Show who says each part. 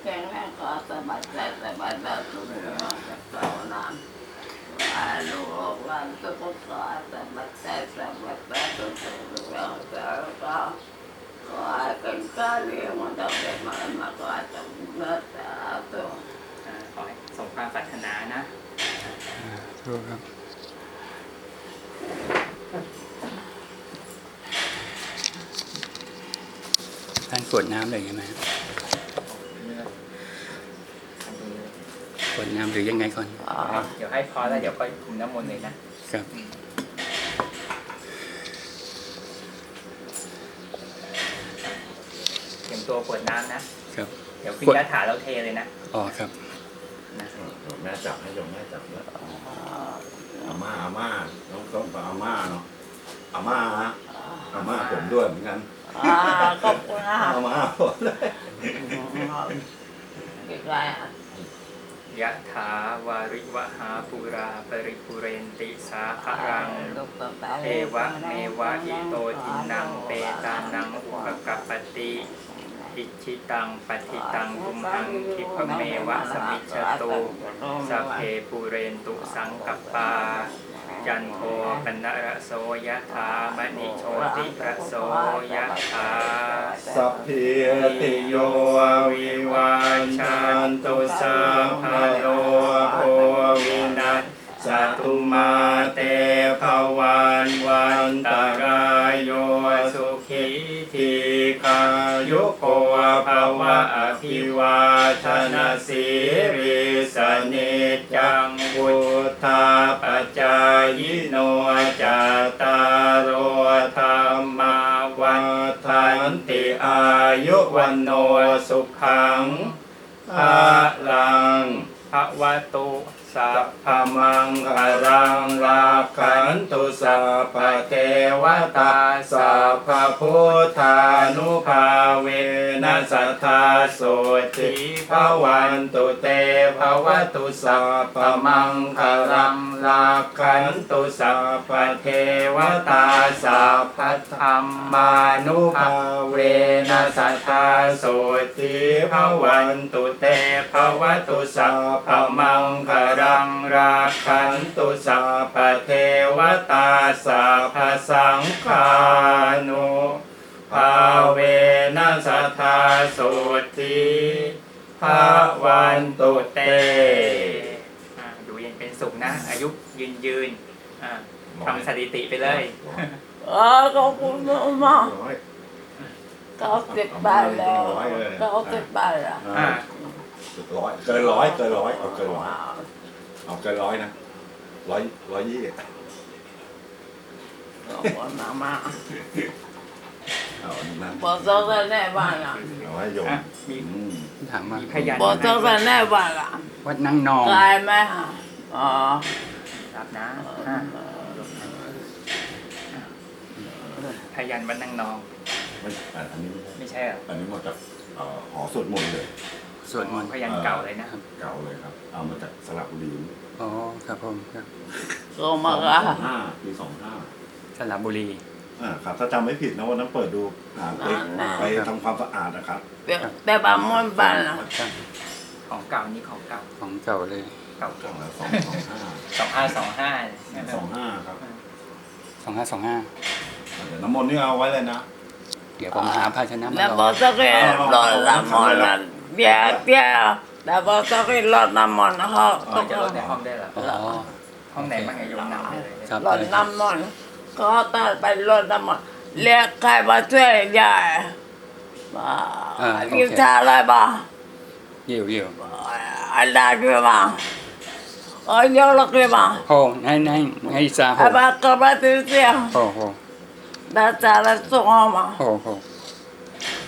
Speaker 1: ข็งแรงก็สบายใจสบายแบบทุกอย่างจากเรานานลูกหลานทุกคนก็สบายใจสบายแบบทุกอย่างจากเราขอให้เป็นการเลี้ยงมันจะเป็นมาก็จะเลิศแต่ตัว
Speaker 2: ขอให้สมความปรารถนานะ
Speaker 3: ถูกครับท่านกรวดน้ำเลยใช่ไหมกรวดน้ำหรือยังไงก่อน
Speaker 2: เดี๋ยวให้พอแล้วเดี๋ยวค่อยคุมน้ำมนต์เลยนะครับ เตรียมตัวกรวดน้ำนะครับ เดี๋ยวขึ้นยาถาเราเทเลยนะ
Speaker 3: อ๋อครับ
Speaker 2: นะ
Speaker 4: แม่จับให้โยมแม่จับแล้วอาม่าน้องต้องอาม่าเนาะอาม่าผมด้วยเหมือนกัน
Speaker 1: ขอบคุณนะ
Speaker 4: อาม่าผมเลย
Speaker 1: อีกไร
Speaker 2: ยะถาวาริวหาปุราปริปุเรนติสาคารังเทวะเมวะอิโตทินังเปตานังอุปกัปปติอิชิตังปฏิตังกุมหังคิปะเมวะสมิจฉตุสัพเพปุเรนตุสังกัปปาจันโทปนระโสยะถามณิโชติระโสยะถา
Speaker 4: สัพพิติโยวิวัชชันตุสัพพะโลโควินัสสตุมาเตภวันวันตรายโยสุขิทีขายุโกภวะอภิวาทนาสิริสนิจจังพุทธาปัจจายโนจัตตารโอธรรมาวันทันติอายุวันโนสุขังภะลัง
Speaker 2: ภะวะตุ
Speaker 4: สัพพมังคารังราคันตุสัพพะเทวตาสัพพะพุทธานุภาเวนัสทธาโสติภวันตุเตภวตุสัพพมังคารังราคันตุสัพพะเทวตาสัพพะธรรมานุภาเวนัสทธาโสติภวันตุเตภวตุสัพพมังคารังราคันตุสัพพะเทวตาสัพพะสังฆานุภาเวนัสทธาโสติภวันตุเต
Speaker 2: ดูเย็นเป็นสุขนะ อายุยืนทำสถิติไปเลย
Speaker 1: ขอบคุณมาก90 บาทแล้ว90 บาทแล้ว
Speaker 4: 100เกินร้อยเอาเกินร้อยเอาเกินร้อยนะ120
Speaker 1: ขอบคุณมาก
Speaker 4: เอานั่น
Speaker 1: บอกเจ้าแน่บ้านละ
Speaker 4: เอาให้โยม
Speaker 2: มี
Speaker 3: ถามว่า
Speaker 2: มีพยาน
Speaker 1: บอกเจ้าแน่บ้านละ
Speaker 3: วัดนั่งนอง
Speaker 1: ไกลไหมอ๋อ
Speaker 2: รับนะพยานวันนางนอง
Speaker 4: อันนี้
Speaker 2: ไม่ใช่เหรอ
Speaker 4: อันนี้มาจากหอสวดมนต์เลย
Speaker 3: สวดมนต์
Speaker 2: พยานเก่าเลยนะ
Speaker 4: เก่าเลยครับ เอามาจากสระบุรี
Speaker 3: อ๋อครับผมครับ
Speaker 1: ก็มาละ
Speaker 4: ปี25
Speaker 3: สระบุรี
Speaker 4: ครับถ้าจำไม่ผิดนะวันนั้นเปิดดูไปทำความสะอาดนะครับ
Speaker 1: แต่บ้านมันบ้านละ
Speaker 3: ครับ
Speaker 2: ของเก่านี่ของเก่า
Speaker 3: ของเก่าเลย
Speaker 2: เก่า
Speaker 4: ช่องละ
Speaker 2: 2525
Speaker 4: 25ครับ
Speaker 3: 2525
Speaker 4: เดี๋ยวน้ำมนต์นี่เอาไว้เลยนะ
Speaker 3: เดี๋ยวผมหาภาชนะมา
Speaker 1: แล้ว
Speaker 3: ร
Speaker 1: บอ
Speaker 3: อก
Speaker 1: เจ้าก็รอน้ำมันละเบี้ยแล้วบอกเจ้าก็รอน้ำมันเขา
Speaker 2: ก็จะลดในห้องได้เหรอ
Speaker 3: อ๋อ
Speaker 2: ห้องไหนบ้างไงโยมนำได้เลย
Speaker 3: ครับ
Speaker 1: รอน้ำมันก็ตัดไปรอน้ำมันเรียกใครมาช่วยยายกินชาอะไรบ้าง
Speaker 3: เยี่ยว
Speaker 1: อะไรด้วยบ้างเยอะเลยบ้าง
Speaker 3: โอ้ให้ซาโห
Speaker 1: บ้านก็มาตีเสีย
Speaker 3: โอ้โห
Speaker 1: แต่ชาอะไรส่งมา
Speaker 3: โอ้โห